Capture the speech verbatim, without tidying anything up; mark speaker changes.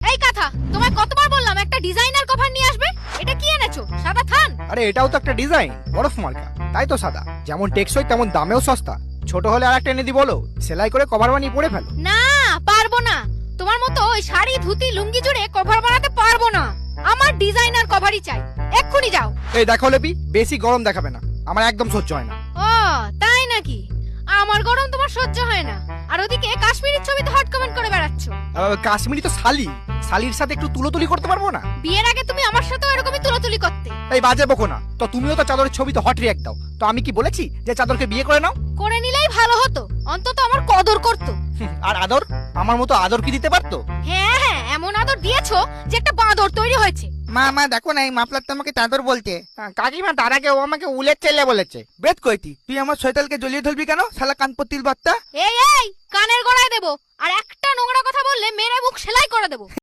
Speaker 1: এই কথা তোমায় কতবার বললাম একটা ডিজাইনার কভার নিয়ে আসবে? এটা কি এনেছো? সাদা থান?
Speaker 2: আরে এটাও তো একটা ডিজাইন, বরফ মার্কা, তাই তো সাদা। যেমন টেকসই তেমন দামেও সস্তা। ছোট হলে আর একটা এনে দি বলো, সেলাই করে কভার বানিয়ে পরে ফেলো।
Speaker 1: না, পারবো না। তোমার মতো ওই শাড়ি ধুতি লুঙ্গি জুড়ে কভার বানাতে পারবো না। আমার ডিজাইনার কভারই চাই, এক্ষুনি যাও।
Speaker 2: এই দেখো লেপি, বেশি গরম দেখাবে না, আমার একদম সহ্য হয় না।
Speaker 1: ও তাই নাকি? আমার গরম তোমার সহ্য হয় না, আর ওদিকে কাশ্মীরের ছবিতে হট কমেন্ট করে বেড়াচ্ছ।
Speaker 2: আহ, কাশ্মীরি তো শালি, শালির সাথে একটু তুলোতুলি করতে পারবো না?
Speaker 1: বিয়ের আগে তুমি আমার সাথেও এরকমই তুলাতুলি করতে।
Speaker 2: এই বাজে বকো না তো, তুমিও তো চাদরের ছবিতে হট রিয়াক্ট দাও। তো আমি কি বলেছি যে চাদরকে বিয়ে করে নাও?
Speaker 1: করে নিলেই ভালো হতো, অন্তত আমার কদর করতো।
Speaker 2: হুম, আর আদর? আমার মতো আদর কি দিতে পারতো?
Speaker 1: হ্যাঁ হ্যাঁ, এমন আদর দিয়েছো যে একটা বাঁদর তৈরি হয়েছে।
Speaker 3: মা মা দেখো না, এই মাফলার তো আমাকে চাদর বলতে।
Speaker 2: কাকিমা তার আগে ও আমাকে উলের ছেলে বলেছে।
Speaker 3: বেদ কইতি, তুই আমার শৈতালকে জ্বলিয়ে ধরবি কেন? শালা কানপত্তির বার্তা।
Speaker 1: এই এই কানের গোড়ায় দেবো, আর একটা নোংরা কথা বললে মেরে মুখ সেলাই করে দেবো।